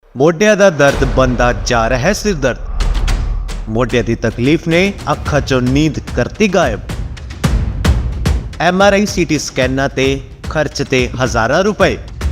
ਮੋਢਿਆਂ ਦਾ ਦਰਦ ਬਣਦਾ ਜਾ ਰਿਹਾ ਹੈ ਸਿਰ ਦਰਦ। ਮੋਢਿਆਂ ਦੀ ਤਕਲੀਫ ਨੇ ਅੱਖਾਂ ਚੋਂ ਨੀਂਦ ਕਰਤੀ ਗਾਇਬ। MRI CT ਸਕੈਨਾਂ ਤੇ ਖਰਚ ਤੇ ਹਜ਼ਾਰਾਂ ਰੁਪਏ।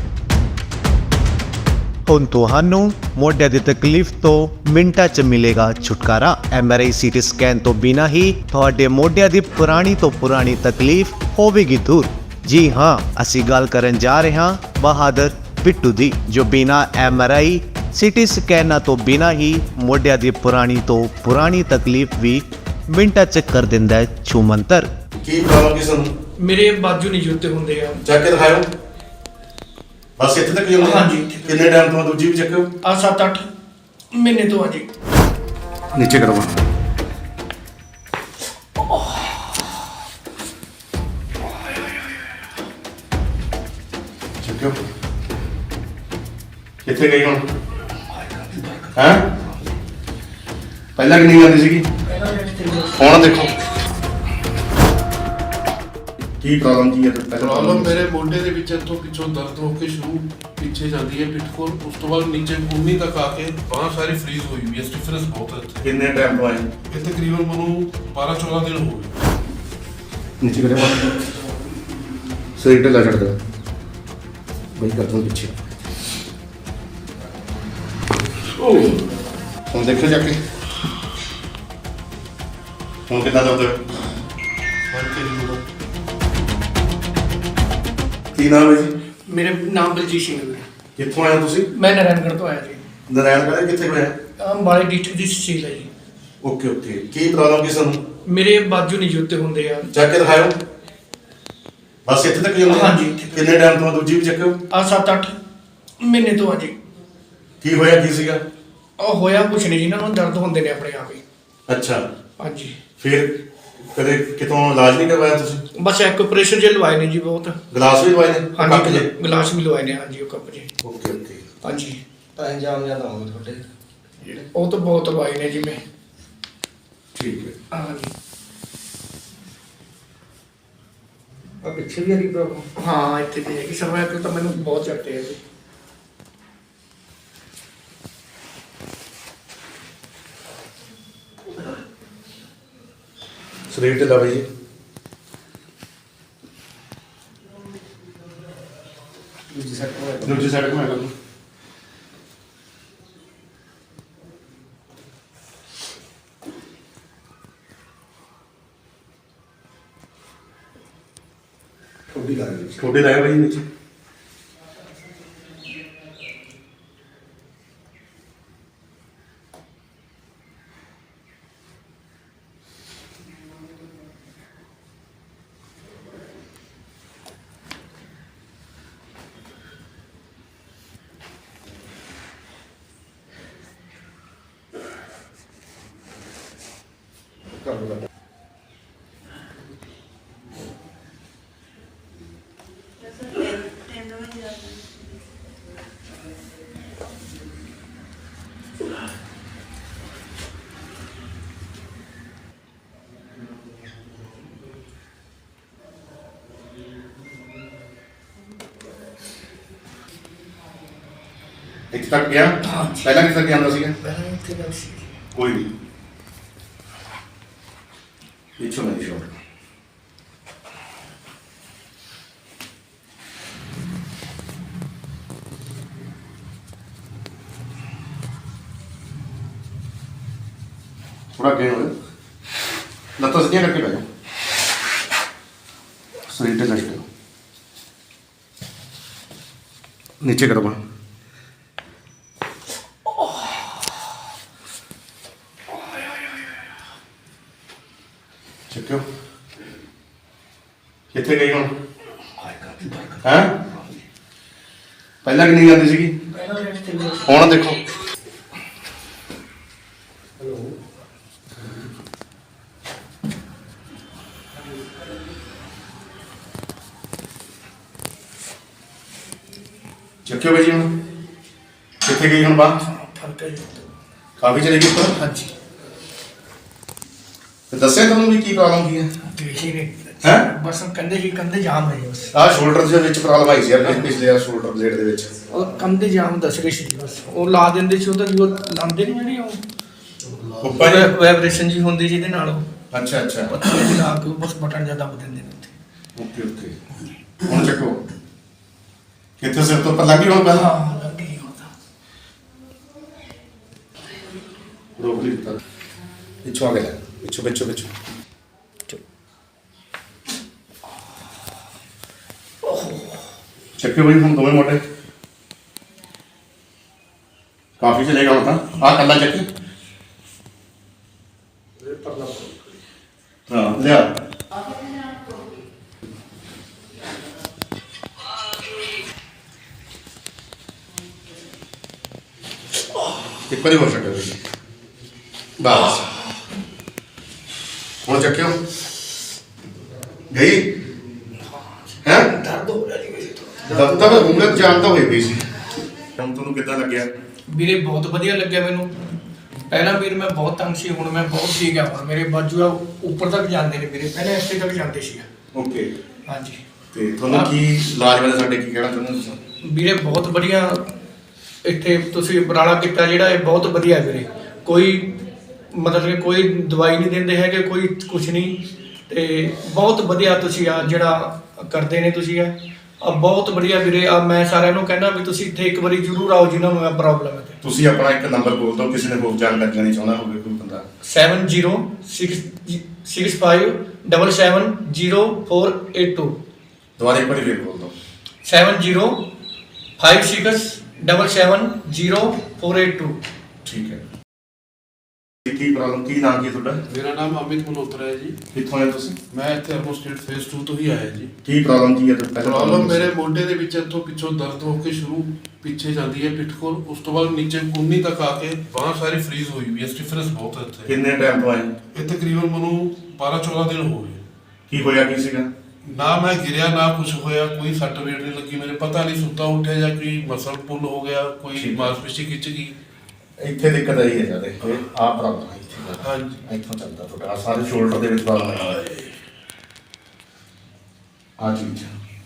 ਹੁਣ ਤੁਹਾਨੂੰ ਮੋਢਿਆਂ ਦੀ ਤਕਲੀਫ ਤੋਂ ਮਿੰਟਾਂ 'ਚ ਮਿਲੇਗਾ ਛੁਟਕਾਰਾ। MRI CT ਸਕੈਨ ਤੋਂ ਬਿਨਾਂ ਹੀ ਤੁਹਾਡੇ ਮੋਢਿਆਂ ਦੀ ਪੁਰਾਣੀ ਤੋਂ ਪੁਰਾਣੀ ਤਕਲੀਫ ਹੋਵੇਗੀ ਦੂਰ। ਜੀ ਹਾਂ, ਅਸੀਂ ਗੱਲ ਕਰਨ ਜਾ ਰਹੇ ਹਾਂ ਬਹਾਦਰ ਬਿੱਟੂ ਦੀ, ਜੋ ਬਿਨਾਂ MRI CT ਸਕੈਨਾਂ ਤੋਂ ਬਿਨਾਂ ਹੀ ਮੋਢਿਆਂ ਦੀ ਪੁਰਾਣੀ ਤੋਂ ਪੁਰਾਣੀ ਤਕਲੀਫ ਵੀ ਮਿੰਟਾਂ 'ਚ ਕਰ ਦਿੰਦਾ ਹੈ ਛੂਮੰਤਰ। ਕੀ ਪ੍ਰੋਬਲਮ ਕਿਸ ਨੂੰ? ਮੇਰੇ ਬਾਜੂ ਨਹੀਂ ਜੁੱਤੇ ਹੁੰਦੇ ਆ। ਚੱਕ ਕੇ ਦਿਖਾਓ। ਬਸ ਇੱਥੇ ਤੱਕ ਹੀ ਹੁੰਦੇ? ਹਾਂਜੀ। ਕਿੰਨੇ ਟਾਈਮ ਤੋਂ ਦੂਜੀ ਵੀ ਚੱਕੋ? ਆ 7-8 ਮਹੀਨੇ ਤੋਂ ਆ ਜੀ। ਨੀਚੇ ਕਰੋ। ਚੱਕੋ। ਕਿੱਥੇ ਗਈ ਹੁਣ? ਹੈ ਪਹਿਲਾਂ ਕਿੰਨੀ ਜਾਂਦੀ ਸੀਗੀ? ਹੁਣ ਦੇਖੋ ਕੀ ਪ੍ਰੋਬਲਮ ਕੀ ਹੈ। ਪ੍ਰੋਬਲਮ ਮੇਰੇ ਮੋਢੇ ਦੇ ਵਿੱਚ ਇੱਥੋਂ ਪਿੱਛੋਂ ਦਰਦ ਹੋ ਕੇ ਸ਼ੁਰੂ ਪਿੱਛੇ ਜਾਂਦੀ ਹੈ ਪਿੱਠ ਕੋਲ, ਉਸ ਤੋਂ ਬਾਅਦ ਨੀਚੇ ਕੂਹਣੀ ਤੱਕ ਆ ਕੇ ਬਾਂਹ ਸਾਰੀ ਫਰੀਜ਼ ਹੋਈ ਵੀ ਹੈ। ਸਟਿਫਨੈਸ ਬਹੁਤ ਹੈ ਇੱਥੇ। ਕਿੰਨੇ ਟਾਈਮ ਤੋਂ ਆਏ? ਇਹ ਤਕਰੀਬਨ ਮੈਨੂੰ 12-14 ਦਿਨ ਹੋ ਗਏ। नीचे करे शरीर ढिला छड़ दे वही कर दूँ पीछे। हम देखो जाके हम कितना दर्द की नाम है जी? ਮੇਰੇ ਨਾਮ ਬਲਜੀਤ ਸਿੰਘ ਹੈ। कितों आए तुसी? ਮੈਂ ਨਾਰਾਇਣਗੜ੍ਹ ਤੋਂ ਆਇਆ ਜੀ। नारायणगढ़ कितने को है? ਅੰਬਾਲੇ ਡਿਸਟ੍ਰਿਕਟ ਦੀ ਤਹਿਸੀਲ ਹੈ ਜੀ। ओके ओके की प्रॉब्लम किस ਨੂੰ? ਮੇਰੇ ਬਾਜੂ ਨਹੀਂ ਜੁੱਤੇ ਹੁੰਦੇ ਆ। ਚੱਕ ਕੇ ਦਿਖਾਓ। ਬਸ ਇੱਥੇ ਤੱਕ ਹੀ ਹੁੰਦੇ? ਹਾਂਜੀ। ਕਿੰਨੇ ਟਾਈਮ ਤੋਂ ਦੂਜੀ ਵੀ ਚੱਕੋ? ਆ 7-8 ਮਹੀਨੇ ਤੋਂ ਆ ਜੀ। ਕੀ ਹੋਇਆ ਕੀ ਸੀਗਾ? ਉਹ ਹੋਇਆ ਕੁਛ ਨਹੀਂ ਜੀ, ਇਹਨਾਂ ਨੂੰ ਦਰਦ ਹੁੰਦੇ ਨੇ ਆਪਣੇ ਆਪ ਹੀ। ਅੱਛਾ, ਹਾਂਜੀ। ਫਿਰ ਕਦੇ ਕਿਤੋਂ ਇਲਾਜ ਨਹੀਂ ਕਰਵਾਇਆ ਤੁਸੀਂ? ਬਸ ਇੱਕ ਪ੍ਰੈਸ਼ਰ ਜੇ ਲਵਾਏ ਨੇ ਜੀ ਬਹੁਤ। ਗਲਾਸ ਵੀ ਲਵਾਏ ਨੇ? ਕੱਪ ਹਾਂਜੀ, ਜੇ? ਗਲਾਸ ਵੀ ਲਵਾਏ ਨੇ। ਹਾਂਜੀ, ਉਹ ਕੱਪ ਜੀ। ਓਕੇ ਓਕੇ ਹਾਂਜੀ, ਤਾਂ ਇੰਜਾਮ ਜ਼ਿਆਦਾ ਹੋਵੇ ਤੁਹਾਡੇ। ਉਹ ਤਾਂ ਬਹੁਤ ਲਵਾਏ ਨੇ ਜੀ ਮੈਂ। ਠੀਕ ਹੈ। ਹਾਂਜੀ। ਆ ਪਿੱਛੇ ਵੀ ਆ ਰਹੀ ਪ੍ਰੋਬਲਮ। ਹਾਂ, ਇੱਥੇ ਤੇ ਹੈਗੀ ਸਰਵਾਈਕਲ ਤਾਂ ਮੈਨੂੰ ਬਹੁਤ ਚੱਟੇ ਆ ਜੀ। ਸਰੀਰ ਢਿੱਲਾ ਬਈ। ਦੂਜੀ ਸਾਈਡ ਘੁਮਾ ਲਓ। ठोडी लाया भाई नीचे। ਇੱਥੇ ਤੱਕ ਗਿਆ? ਪਹਿਲਾਂ ਕਿੱਥੇ ਤੱਕ ਜਾਂਦਾ ਸੀਗਾ? ਪਹਿਲਾਂ ਇੱਥੇ ਗੱਲ ਸੀ। ਕੋਈ ਨਹੀਂ ਪਿੱਛੋਂ ਨਹੀਂ ਛੋੜ। थोड़ा गए हो लत्तों से करके बैठो। शरीर ढिला करो। नीचे करो बाहर। ਚੱਕਿਓ। ਕਿੱਥੇ ਗਈ ਹੁਣ? ਹੈ ਪਹਿਲਾਂ ਕਿੰਨੀ ਜਾਂਦੀ ਸੀਗੀ? ਹੁਣ ਦੇਖੋ। ਚੱਕਿਓ ਬਈ ਜੀ ਹੁਣ। ਕਿੱਥੇ ਗਈ ਹੁਣ ਬਾਹਰ? ਫਰਕ ਹੈ ਜੀ। ਕਾਫੀ ਚਲੇ ਗਈ ਉੱਪਰ? ਹਾਂਜੀ। ਤੇ ਦੱਸਿਆ ਤੁਹਾਨੂੰ ਵੀ ਕੀ ਪ੍ਰੋਬਲਮ ਕੀ ਹੈ? ਤੁਸੀਂ ਨੇ ਹੈ ਬਸ ਕਹਿੰਦੇ ਸੀ ਕੰਧੇ ਜਾਮ ਹੈ ਜੀ ਬਸ। ਆਹ ਸ਼ੋਲਡਰ ਦੇ ਵਿੱਚ ਪ੍ਰੋਬਲਮ ਆਈ ਸੀ ਯਾਰ ਪਿਛਲੇ ਆ ਸ਼ੋਲਡਰ ਬਲੇਡ ਦੇ ਵਿੱਚ। ਉਹ ਕੰਧੇ ਜਾਮ ਦੱਸ ਰਹੇ ਸੀ ਜੀ ਬਸ। ਉਹ ਲਾ ਦਿੰਦੇ ਸੀ, ਉਹ ਤਾਂ ਜੋ ਲਾਉਂਦੇ ਨਹੀਂ ਜਿਹੜੀ ਉਹ ਉੱਪਰ ਵਾਈਬ੍ਰੇਸ਼ਨ ਜੀ ਹੁੰਦੀ ਜਿਹਦੇ ਨਾਲ ਉਹ ਅੱਛਾ ਅੱਛਾ ਪੱਥਰ ਜਿਹੇ ਲਾ ਕੇ ਬਸ ਬਟਨ ਜਿਹਾ ਦੱਬ ਦਿੰਦੇ ਨੇ ਉੱਥੇ। ਓਕੇ ਓਕੇ ਹੁਣ ਚੱਕੋ ਕਿੱਥੇ ਸਿਰ ਤੋਂ ਉੱਪਰ ਲੱਗੀ ਹੁਣ ਪਹਿਲਾਂ ਹਾਂ ਲੱਗੀ ਹੁਣ ਤਾਂ। ਰੋਕ ਲਈ ਦਿੱਤਾ ਪਿੱਛੋਂ ਆ ਗਿਆ ਪਿੱਛੋਂ ਪਿੱਛੋਂ ਪਿੱਛੋਂ ਚੱਕੇ ਬਈ ਹੁਣ ਦੋਵੇਂ ਮੋਟੇ ਕਾਫੀ ਚਲੇਗਾ ਹੁਣ ਤਾਂ ਆਹ ਕੱਲਾ ਚੱਕੀ ਹਾਂ ਲਿਆ ਇੱਕ ਵਾਰੀ ਹੋ ਸਕਦਾ ਜੀ ਬਸ ਹੁਣ ਚੱਕਿਓ ਗਈ ਹੈ ਦਰਦ ਹੋ ਰਿਹਾ ਜੀ ਵੈਸੇ ਤਾਂ। ਦਬ ਤੱਕ ਉਮਰ ਜਾਣਦਾ ਹੋਈ ਪਈ ਸੀ ਹੁਣ ਤੁਹਾਨੂੰ ਕਿੱਦਾਂ ਲੱਗਿਆ ਵੀਰੇ ਬਹੁਤ ਵਧੀਆ ਲੱਗਿਆ ਮੈਨੂੰ। ਪਹਿਲਾਂ ਵੀਰ ਮੈਂ ਬਹੁਤ ਤੰਗ ਸੀ, ਹੁਣ ਮੈਂ ਬਹੁਤ ਠੀਕ ਆ। ਹੁਣ ਮੇਰੇ ਬਾਜੂ ਆ ਉੱਪਰ ਤੱਕ ਜਾਂਦੇ ਨੇ ਵੀਰੇ, ਪਹਿਲਾਂ ਇੱਥੇ ਤੱਕ ਜਾਂਦੇ ਸੀ। ਓਕੇ ਹਾਂਜੀ ਤੇ ਤੁਹਾਨੂੰ ਕੀ ਇਲਾਜ ਬਾਰੇ ਸਾਡੇ ਕੀ ਕਹਿਣਾ ਚਾਹੁੰਦੇ ਹੋ ਤੁਸੀਂ ਵੀਰੇ ਬਹੁਤ ਵਧੀਆ ਇੱਥੇ ਤੁਸੀਂ ਉਪਰਾਲਾ ਕੀਤਾ ਜਿਹੜਾ, ਇਹ ਬਹੁਤ ਵਧੀਆ ਵੀਰੇ। ਕੋਈ ਮਤਲਬ ਕਿ ਕੋਈ ਦਵਾਈ ਨਹੀਂ ਦਿੰਦੇ ਹੈਗੇ, ਕੋਈ ਕੁਝ ਨਹੀਂ, ਤੇ ਬਹੁਤ ਵਧੀਆ ਤੁਸੀਂ ਆ ਜਿਹੜਾ ਕਰਦੇ ਨੇ ਤੁਸੀਂ ਆ ਬਹੁਤ ਵਧੀਆ ਵੀਰੇ। ਆ ਮੈਂ ਸਾਰਿਆਂ ਨੂੰ ਕਹਿੰਦਾ ਵੀ ਤੁਸੀਂ ਇੱਥੇ ਇੱਕ ਵਾਰੀ ਜ਼ਰੂਰ ਆਓ ਜਿਨ੍ਹਾਂ ਨੂੰ ਇਹ ਪ੍ਰੋਬਲਮ ਹੈ। ਤੁਸੀਂ ਆਪਣਾ ਇੱਕ ਨੰਬਰ ਬੋਲ ਦਿਓ ਕਿਸੇ ਨੇ ਹੋਰ ਜਾਣਕਾਰੀ ਲੈਣੀ ਚਾਹੁੰਦਾ ਹੋਵੇ ਕੋਈ ਬੰਦਾ 7066770482 ਦੁਬਾਰਾ ਇੱਕ ਵਾਰੀ ਫੇਰ ਬੋਲ ਦਿਓ 7056770482। ਠੀਕ ਹੈ ਕੀ ਪ੍ਰੋਬਲਮ ਕੀ ਨਾਮ ਕੀ ਤੁਹਾਡਾ ਮੇਰਾ ਨਾਮ ਅਮਿਤ ਮਲਹੋਤਰਾ ਹੈ ਜੀ। ਕਿੱਥੋਂ ਆਏ ਤੁਸੀਂ ਮੈਂ ਇੱਥੇ ਅਰਬਨ ਸਟੇਟ ਫੇਸ 2 ਤੋਂ ਹੀ ਆਇਆ ਜੀ। ਕੀ ਪ੍ਰੋਬਲਮ ਕੀ ਹੈ ਤੁਹਾਡਾ ਪ੍ਰੋਬਲਮ ਮੇਰੇ ਮੋਢੇ ਦੇ ਵਿੱਚ ਇੱਥੋਂ ਪਿੱਛੋਂ ਦਰਦ ਹੋ ਕੇ ਸ਼ੁਰੂ ਪਿੱਛੇ ਜਾਂਦੀ ਹੈ ਪਿੱਠ ਕੋਲ, ਉਸ ਤੋਂ ਬਾਅਦ ਨੀਚੇ ਕੂਹਣੀ ਤੱਕ ਆ ਕੇ ਬਾਂਹ ਸਾਰੀ ਫ੍ਰੀਜ਼ ਹੋਈ ਵੀ ਹੈ, ਸਟਿਫਨੈਸ ਬਹੁਤ ਹੈ ਇੱਥੇ। ਕਿੰਨੇ ਟਾਈਮ ਤੋਂ ਆਏ ਇਹ ਤਕਰੀਬਨ ਮੈਨੂੰ 12-14 ਦਿਨ ਹੋ ਗਏ। ਕੀ ਹੋਇਆ ਕੀ ਸੀਗਾ ਨਾ ਮੈਂ ਗਿਰਿਆ ਨਾ ਕੁਝ ਹੋਇਆ, ਕੋਈ ਸੱਟ ਵੇਟ ਨਹੀਂ ਲੱਗੀ ਮੇਰੇ, ਪਤਾ ਨਹੀਂ ਸੁੱਤਾ ਉੱਠਿਆ ਜਾਂ ਕੋਈ ਮਸਲ ਪੁੱਲ ਹੋ ਗਿਆ, ਕੋਈ ਠੀਕ। ਮਾਸਪੇਸ਼ੀ ਖਿੱਚ ਗਈ। ਇੱਥੇ ਦਿੱਕਤ ਆਈ ਹੈ ਜਿਆਦਾ ਆਹ ਪ੍ਰੋਬਲਮ ਹੈ ਇੱਥੇ ਹਾਂਜੀ ਇੱਥੋਂ ਚੱਲਦਾ ਤੁਹਾਡਾ ਆਹ ਸਾਰੇ ਸ਼ੋਲਡਰ ਦੇ ਵਿੱਚ ਪ੍ਰੋਬਲਮ ਹੈ ਆ ਚੀਜ਼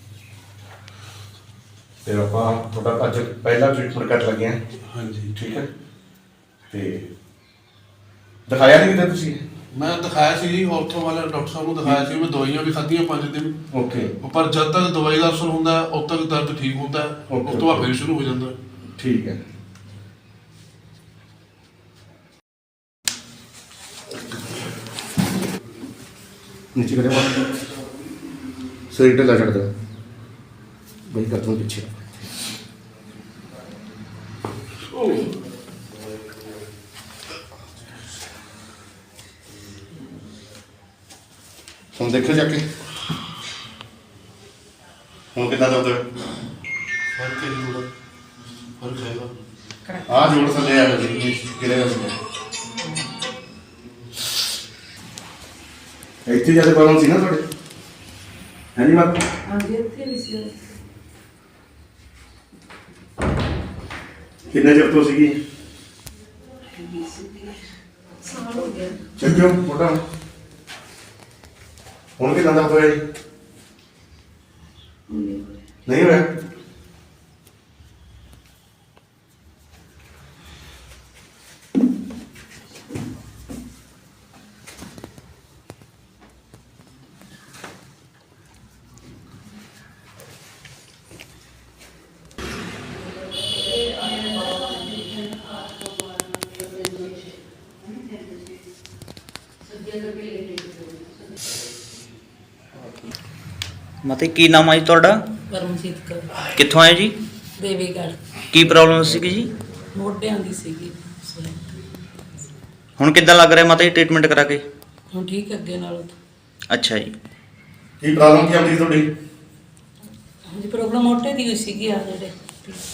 ਤੇ ਆਪਾਂ ਤੁਹਾਡਾ ਅੱਜ ਪਹਿਲਾ ਟ੍ਰੀਟਮੈਂਟ ਕਰ ਲੱਗੇ ਹਾਂ ਹਾਂਜੀ ਠੀਕ ਹੈ ਤੇ ਦਿਖਾਇਆ ਨਹੀਂ ਕਿਤੇ ਤੁਸੀਂ ਮੈਂ ਦਿਖਾਇਆ ਸੀ ਜੀ ਆਰਥੋ ਵਾਲੇ ਡਾਕਟਰ ਸਾਹਿਬ ਨੂੰ ਦਿਖਾਇਆ ਸੀ। ਮੈਂ ਦਵਾਈਆਂ ਵੀ ਖਾਧੀਆਂ 5 ਦਿਨ, ਓਕੇ ਪਰ ਜਦ ਤੱਕ ਦਵਾਈ ਦਾ ਅਸਰ ਹੁੰਦਾ ਹੈ, ਉਦ ਤੱਕ ਦਰਦ ਠੀਕ ਹੁੰਦਾ ਹੈ, ਉਸ ਤੋਂ ਬਾਅਦ ਫਿਰ ਸ਼ੁਰੂ ਹੋ ਜਾਂਦਾ ਹੈ। ਠੀਕ ਹੈ नीचे करे शरीर ढिला छड़ दो भाई कर दूँ पीछे हम देखो जाके हम कितना दर्द है फर्क है जी थोड़ा, फर्क हैगा। हाँ जोड़ थले आ गिरेगा सुबह ਇੱਥੇ ਜਿਆਦਾ ਪ੍ਰੋਬਲਮ ਸੀ ਨਾ ਤੁਹਾਡੇ ਹੈ ਨਹੀਂ ਬਾਤ ਹਾਂਜੀ ਇੱਥੇ ਵੀ ਸੀ। ਕਿੰਨੇ ਚਿਰ ਤੋਂ ਸੀਗੀ ਸਾਲ ਹੋ ਗਿਆ। ਚੱਕਿਓ ਮੋਟਾ ਹੁਣ ਕਿੰਨਾ ਦਰਦ ਹੋਇਆ ਜੀ ਨਹੀਂ ਹੋਇਆ ਮਤੇ ਕੀ ਨਾਮ ਆ ਜੀ ਤੁਹਾਡਾ? ਪਰਮਜੀਤ ਕੌਰ ਕਿੱਥੋਂ ਆਏ ਜੀ? ਦੇਵੀਗੜ੍ਹ ਕੀ ਪ੍ਰੋਬਲਮ ਸੀਗੀ ਜੀ? ਮੋਢਿਆਂ ਦੀ ਸੀਗੀ। ਹੁਣ ਕਿੱਦਾਂ ਲੱਗ ਰਿਹਾ ਮਤੇ ਟ੍ਰੀਟਮੈਂਟ ਕਰਾ ਕੇ? ਹੁਣ ਠੀਕ ਅੱਗੇ ਨਾਲੋਂ। ਅੱਛਾ ਜੀ। ਕੀ ਪ੍ਰੋਬਲਮ ਕੀ ਆਉਂਦੀ ਤੁਹਾਡੀ ਹਾਂਜੀ ਪ੍ਰੋਬਲਮ ਮੋਢੇ ਦੀ ਹੋਈ ਸੀਗੀ ਆ ਜਿਹੜੇ